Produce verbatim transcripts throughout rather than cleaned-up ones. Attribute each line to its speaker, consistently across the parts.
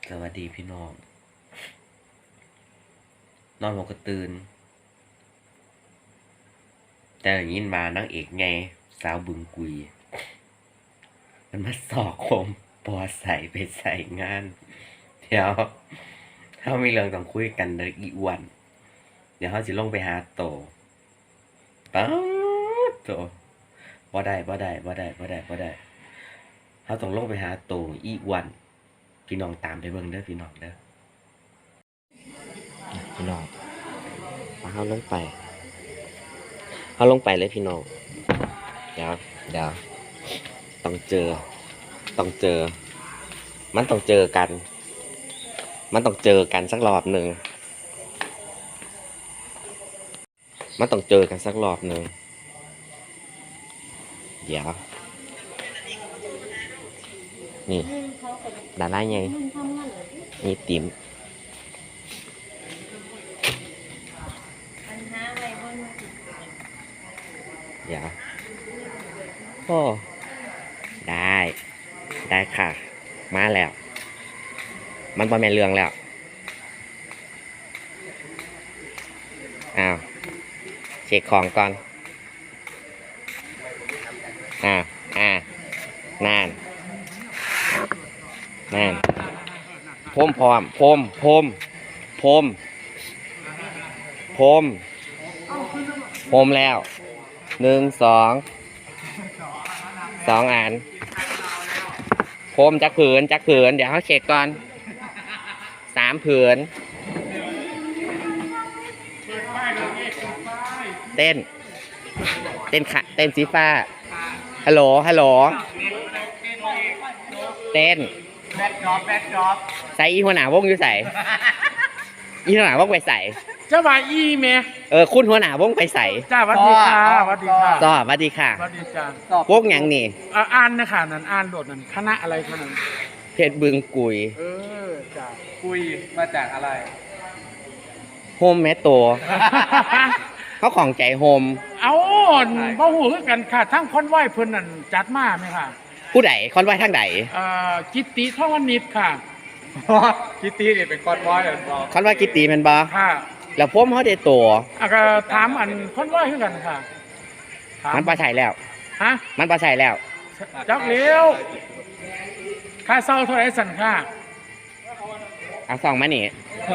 Speaker 1: สวัสดีพี่น้องนอนหมกระตื่นแต่อย่างนี้มานังเอกไงสาวบึงกุยมันมาสอกคมปอใส่ไปใส่งานเดี๋ยวเขามีเรื่องต้องคุยกันเลยอีวัน เดี๋ยวเขาจะลงไปหาโตป๊าดโตบ่ได้บ่ได้บ่ได้บ่ได้บ่ได้เขาต้องลงไปหาโตอีวันพี่น้องตามไปเบิ่งเด้อพี่น้องเด้อพี่น้องเขาลงไปเขาลงไปเลยพี่น้องเดี๋ยวเดี๋ยวต้องเจอต้องเจอมันต้องเจอกันมันต้องเจอกันสักรอบหนึ่งมันต้องเจอกันสักรอบหนึ่งเดี๋ยวนี่ดาราไงนี่ติ๋มเดี๋ยวโอ้ได้ได้ค่ะมาแล้วมันบ่แม่นเรื่องแล้วอ้าวเช็คของก่อนอ่าอ่านานนานพรมพร้อมพรมพรมพรมพรมพรมแล้วหนึ่งสองสองอันพรมจักผืนจักผืนเดี๋ยวเขาเช็คก่อนสามผืนเต้นเต้นค่ะเต้นสีฟ้าฮัลโหลฮัลโหลเต้น
Speaker 2: แบ็คดรอปแบ็คดรอป
Speaker 1: ใส่อีหัวหน้าวงอยู่ใส่อีหัวหน้าวงไปใส่
Speaker 2: เจ้าว่าอีเม
Speaker 1: เออคุณหัวหน้าวงไปใส่
Speaker 2: จ้าวัดดีค่ะวัดดีค่ะ
Speaker 1: จ้าวัดดีค่ะ
Speaker 2: วัดดีจ้
Speaker 1: าวงอย่างนี้
Speaker 2: อ่านนะคะนั่นอ่านโดดนั่นคณะอะไรคะนั่น
Speaker 1: เพชรบึงกุย
Speaker 2: เออจ้ากุยมาจากอะไร
Speaker 1: โฮมแมตโตเขาของใจโฮม
Speaker 2: เอาบ่ฮู้คือกันค่ะทั้งคอนไว้เพิ่นนั่นจัดมาไหมค่ะ
Speaker 1: ผู้ใดคอนไว้ทางใด
Speaker 2: เอ่อกิตติทองวณิชค่ะกิตตินี่เป็นคอนไว้เหรอ
Speaker 1: คอนไว้กิตติแม่นบ่
Speaker 2: ค่ะ
Speaker 1: แล้วผมเขาได้ตัว
Speaker 2: อ่ะก็ถามอันคอนไว้คือกันค่ะ
Speaker 1: มันบ่ใช่แล้ว
Speaker 2: ฮะ
Speaker 1: มันบ่ใช่แล้ว
Speaker 2: จักเลี้ยวค่าเช่าเท่าไหร่สั่นค่ะ
Speaker 1: เอาซองมานี่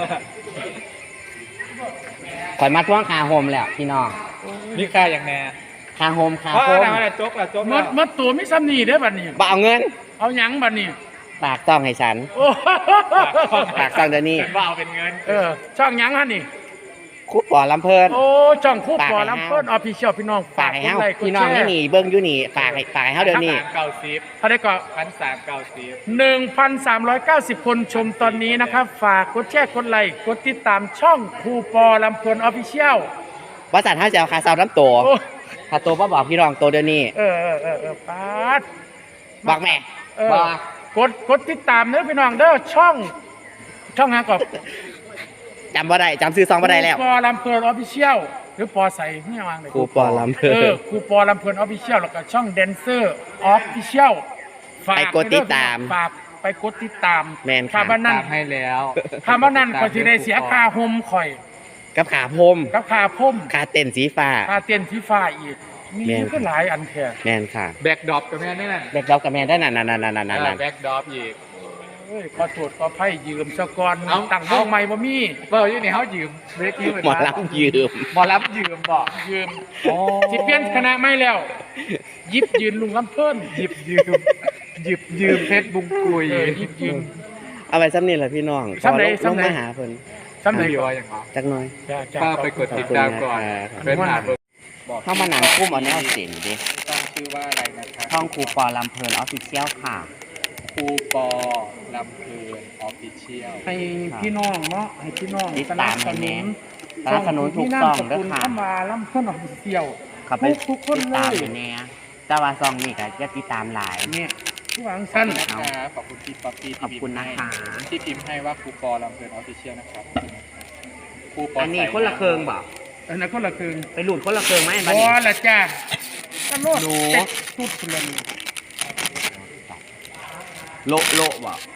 Speaker 1: ขอยมาทวงค่าโฮมแล้วพี่น้อง
Speaker 2: นี่ค่าอย่างแน่
Speaker 1: ค่าโฮมค่า
Speaker 2: โฮมอะไรจกละจกมดมดตัวไม่ซ้ำนี่เด้อบัดนี้
Speaker 1: บ่เอาเงิน
Speaker 2: เอาหยังบัดนี้
Speaker 1: ฝากซองให้ฉันฝากซองเดี๋ยวนี้
Speaker 2: ว่าเอาเป็นเงินเออช่องหยังฮะนี่
Speaker 1: คู่ปอลำเพิ่น
Speaker 2: โอ้ช่องคู่ปอลำเพิ่นออฟฟิเชียลพี่น้อง
Speaker 1: ฝากให้เฮาพี่น้องนี่นี่เบิ่งอยู่นี่ฝากให้ฝากให้เฮาเดี๋ยวนี้
Speaker 2: เก้าสิบเท่าได้ก็พันสามเก้าสิบหนึ่งพันสามร้อยเก้าสิบคนชมตอนนี้นะครับฝากกดแชร์กดไลค์กดติดตามช่องคู่ปอลำเพิ่นออฟฟิเชียล
Speaker 1: ว่าสัตว์เฮาจะเอาค่าซาวน้ำตัวถ้าตัวบ่บอกพี่น้องตัวเดี๋ยวนี้
Speaker 2: เออเออเออเออปาด
Speaker 1: บอกแม่
Speaker 2: บอกกดกดติดตามเด้อพี่น้องเด้อช่องช่องหาก่อน
Speaker 1: จำบ่ได้จำซื้อซองบ่ได้แล้ว
Speaker 2: ปอลำเพลินออฟฟิเชียลหรือปอใส่ไม่วางเลย
Speaker 1: ครูปอลำเพลิน
Speaker 2: เออครูปอลำเพลินออฟฟิเชียลแล้วก็ช่องแดนเซอร์ออฟฟิเชียล
Speaker 1: ไปกดติดตาม
Speaker 2: ฝากไปกดติดตาม
Speaker 1: แมน
Speaker 2: ค่ะบ้านนั้น
Speaker 3: ให้แล้ว
Speaker 2: ค่ะบ้านนั้นก็จะได้เสียค่าโฮมข่อย
Speaker 1: กับขาพม
Speaker 2: กับค่าพม
Speaker 1: ค่าเต้นสีฟ้า
Speaker 2: ค่าเต้นสีฟ้าอีกมีก็หลายอันแท้
Speaker 1: แมนค่ะ
Speaker 3: แบ็กดรอปกับแม่นี่นั่น
Speaker 1: แบ็กดรอปกับแมนได้นั่นนั่นนั่นนั่นนั่น
Speaker 3: แบ็กดรอปอีก
Speaker 2: ขอโทษขอไพ่ยืมสะกอนตั้งวงใหม่บ่มี
Speaker 3: เบอร์ยี่นี่เขายืมเวที
Speaker 1: หมอรับยืม
Speaker 3: หมอรับยืมบอก
Speaker 2: ยืมสิเปลี่ยนคณะไม่แล้วยิบยืนลุงลำเพิ่น
Speaker 3: หยิบยืมหยิบยืมเพชรบุงกุย
Speaker 2: ยิบยืม
Speaker 1: เอาไปซ้ำนี่แหละพี่น้อง
Speaker 2: ซ้ำไหน
Speaker 1: ซ้ำไหนหาเพิ่น
Speaker 2: ซ้ำไหน
Speaker 3: ก่อนอย่างไร
Speaker 1: จักหน่อย
Speaker 3: ป้าไปกดติดตามก่อนเป็นหาเบอร์
Speaker 1: เข้ามาหนังคุ้มเอาแนวเสียงดิ
Speaker 3: ต้องชื่อว่าอะไรนะครับ
Speaker 1: ช่องครูปอลำเพลินออฟฟิเชียลค่ะ
Speaker 3: ครูปอลำเพลินออฟฟิเชียล
Speaker 2: ให้พี่น้องเนาะให้พี่น้อง
Speaker 1: ติดตามให้แน่สนับสนุนทุกซองด้วยค่ะ
Speaker 2: เข้ามาลำเพลินออฟฟิเชียล
Speaker 1: ขับไปทุกคนเลยติดตามให้แน่แต่ว่าซองนี่ก็จะติดตามหลาย
Speaker 2: เนี่ยผู้หวังสั้น
Speaker 3: ขอบคุณพี่ป๊อปปี้
Speaker 1: ขอบคุณนะคะ
Speaker 3: ที่พิมพ์ให้ว่าครูปอลำเพลินออฟฟิเชียลนะครับ
Speaker 1: ครูปออันนี้คนละเครื่องบ่
Speaker 2: อันนั้นคนละเครื่อง
Speaker 1: ไปหลุดคนละเครื่องไหม
Speaker 2: อ๋อละจ้าก็โลดตุดคนละ
Speaker 1: โลโลบ่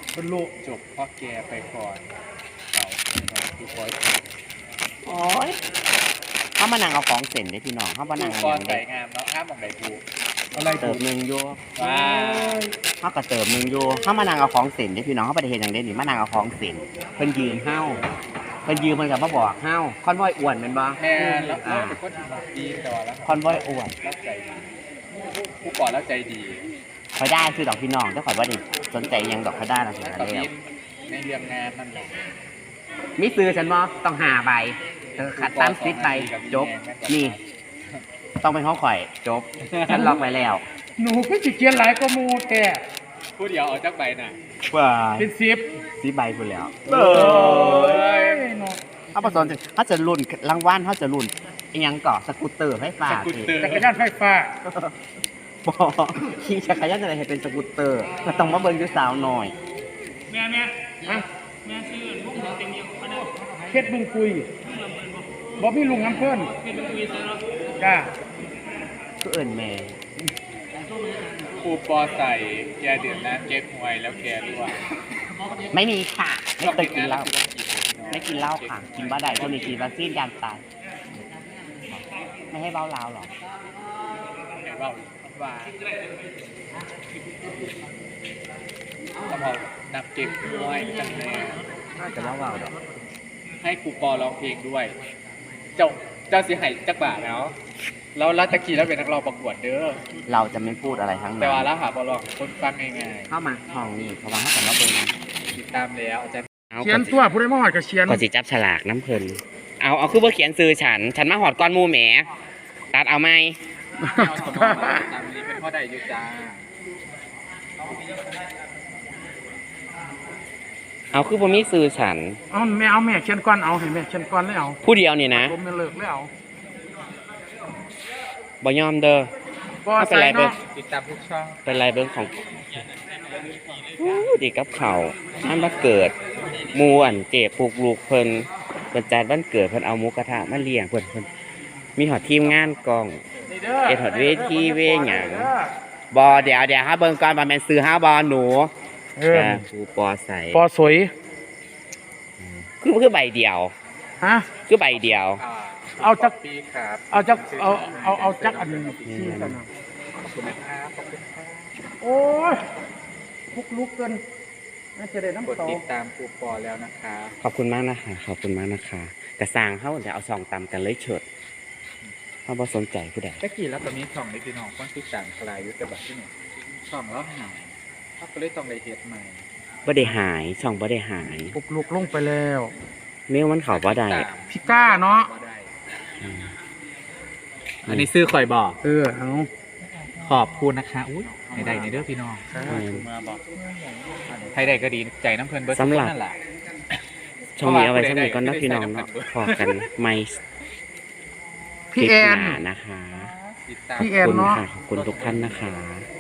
Speaker 2: เป็นลูก
Speaker 3: จบพ่อแกไปก่อนเขาครูปอ
Speaker 1: โอ้ยเขามานั่งเอาของเส้นได้พี่น้องเขามา
Speaker 3: ครู
Speaker 1: นั่ง
Speaker 3: ปอ
Speaker 1: อย่าง
Speaker 3: ใส่
Speaker 1: เด็ก
Speaker 3: งามเนาะห้ามมองไหนถูก
Speaker 2: อะไร
Speaker 1: เติ
Speaker 2: ถู
Speaker 1: ม
Speaker 2: ก
Speaker 1: หนึ่งอยู่
Speaker 3: ว้า
Speaker 1: เขาก็เติมหนึ่งอยู่เขามานั่งเอาของเส้นได้พี่น้องเขาไปเห็นอย่างเด็ดนี่มานั่งเอาของเส้นเพิ่นยืนเฮ้าเพิ่นยืนเพิ่นกับมาบอกเฮ้าคอนวอยอ้วนเป็นบ่
Speaker 3: แม่แล้วแล้วเป็นคนดีแต่ว่าแล้ว
Speaker 1: คอนวอยอ้วน
Speaker 3: แล้วใจดีครูปอแล้วใจดี
Speaker 1: คอยได้คือดอกพี่น้องถ้าข่อยว่าดิสนใจอิหยังดอกคอยได้นะ
Speaker 3: แล้ว
Speaker 1: แล้
Speaker 3: ก็
Speaker 1: ว
Speaker 3: มีในเรื่องงานนั่นแหละ
Speaker 1: มิซื้อฉันบ่ต้องหาใบเธอขัดตั้งซิดใบจบนี่ต้องเป็นห้องข่อยจบฉันล็อกไว้แล้ว
Speaker 2: หนูก็สิเขียนหลายก็มูแต่
Speaker 3: พูดเดียวเอาจากใบน่ะ
Speaker 1: ว่า
Speaker 2: เป็นสิบ
Speaker 1: ซิดใบพูดแล้ว
Speaker 2: โอ้ยเนาะ
Speaker 1: เขาผสมเขาจะรุ่นรางวัลเขาจะรุ่นอิหยังก่อสกูตเตอร์ไฟฟ้า
Speaker 3: สกูตเตอร์
Speaker 2: จักรยานไฟฟ้า
Speaker 1: บอขี่จักรยานจะได้เห็นเป็นสกูตเตอร์ก็ต้องมาเบิ่งอยู่สาวหน่อย
Speaker 2: แม่แม่ฮะแม่ชื่อลุงเต็มเดียวเพชรบึงคุยบ่มีลุงน้ำเพิ่นเพชรบึงคุยจ้า
Speaker 1: ก็เอิญแม่
Speaker 3: ครูปอใส่แกเดือดนะแกหวยแล้วแกรั่ว
Speaker 1: ไม่มีค่ะไม่เคยกินเหล้า
Speaker 3: ไม่
Speaker 1: ไม่กินเหล้าค่ะ กินบ้าใดช่วงนี้กินวัคซีนยานตายไม่ให้เบ้าลาวหรอก
Speaker 3: เห็นว่าว่าต้องเอานับเก็บด้วยกันแน่
Speaker 1: น่าจะเบ้าลาวดอก
Speaker 3: ให้ครูปอร้องเพลงด้วย เจ้าเจ้าเสียหายจักบาทแล้วแล้วรัตะกี้แล้วเป็นนักร้องประกวดเด้อ
Speaker 1: เราจะไม่พูดอะไรทั้ง
Speaker 3: แต่
Speaker 1: นั้
Speaker 3: ว่าน แล้วหาบอลองคนฟังง่าย
Speaker 1: เข้ามาห้องนี้เพราะว่าเขาแต่มาเบิ่ง
Speaker 3: ๆติดตามแล้วอาจารย์
Speaker 1: เอา
Speaker 2: เขียนตัวผู้ใดมาหอดก็เขียน
Speaker 1: ก็สิจับฉลากน้ำเพลินเอาเอาคือว่าเขียนซื้อฉัน ฉันมาหอดก้อนหมูแหมตัดเอาไหม
Speaker 3: เอาสมองมาตามนี้เป็นพ่อใดอยู่จ้า
Speaker 1: เอาคือผมมีซื้อฉัน
Speaker 2: เอาแม่เอาแม่เขียนก่อนเอาให้แม่เขียนก่อนแล้วเอา
Speaker 1: ผู้เดียวนี่นะ
Speaker 2: ผมไม่เลิกแล้ว
Speaker 1: บ่ยอมเด้อ
Speaker 2: บ่
Speaker 1: เอาไป
Speaker 2: ใส่
Speaker 1: ไรเบิ่ง
Speaker 2: เนาะ
Speaker 3: ติดตามทุกช่อง
Speaker 1: เป็นไรเบิ้งของอู้ดีกับเขาอันวันเกิดหมูอันเจ็บปลูกลูกเพิ่นเพิ่นจัดวันเกิดเพิ่นเอาหมูกระทะมาเลี้ยงเพิ่นเพิ่นมีหอดทีมงานกล้อง
Speaker 2: นี่ด้
Speaker 1: เอ็ดหอดเวทีเวหยัง บอเดี๋ยวเดี๋ยวฮะเบิ่งก่อนว่าแม่นซื้อห้าบอหนู
Speaker 2: เออ
Speaker 1: จ้าครูปอใส่
Speaker 2: ปอสวย
Speaker 1: คือคือใบเดียว
Speaker 2: ฮะ
Speaker 1: คือใบเดียว
Speaker 3: อ่า
Speaker 2: เอาจัก
Speaker 3: ปีครับ
Speaker 2: เอาจักเอาเอาเอาจักอันหนึงที่กันนะ
Speaker 3: ขอบคุณนะครับขอบคุณครับ
Speaker 2: โอ้ยลุกลุกเกินน่าจะได้
Speaker 3: กด
Speaker 2: น้ำเตา
Speaker 3: ติดตามครูปอแล้วนะคะ
Speaker 1: ขอบคุณมากนะคะขอบคุณมากนะคะกระสร้างเขาเดี๋ยวเอาซองตำกันเลยเฉิดเขาบ่สนใจผู้ใด
Speaker 3: ตะกี้แล้วตอนนี้ช่องในพี่น้องคนติดตามคลายยุทธบัตรที่หนึ่งช่องแล้วหายเขาก็เลยต้องเลยเฮ็ดใหม่
Speaker 1: บ่ได้หายช่องบ่ได้หาย
Speaker 2: ลุกลุกลงไปแล้ว
Speaker 1: เมื่อมันเขาบ่ได้
Speaker 2: พี่ก้าเนาะ
Speaker 3: บ่ได้
Speaker 1: อืม
Speaker 3: อันนี้ซื้อคอยบอก
Speaker 2: เออเอา
Speaker 3: ขอบคุณนะคะอุ้ยในใดในเด้อพี่น้อง
Speaker 1: อืม
Speaker 3: มาบอกใครใดก็ดีใจน้ำเพลินเบิร์ด
Speaker 1: สำหรับ
Speaker 3: นั่นแหละ
Speaker 1: ช่องนี้เอาไว้สำหรับก่อนนะพี่น้องเนาะพอกันไม่
Speaker 2: พี่แอน
Speaker 1: คลิปหานะคะ
Speaker 3: ติดตาม
Speaker 2: พี่
Speaker 1: ข
Speaker 2: แอ
Speaker 1: อบ
Speaker 2: น
Speaker 1: คุณ
Speaker 2: เนาะ
Speaker 1: ค่ะขอบคุณทุกท่านนะคะ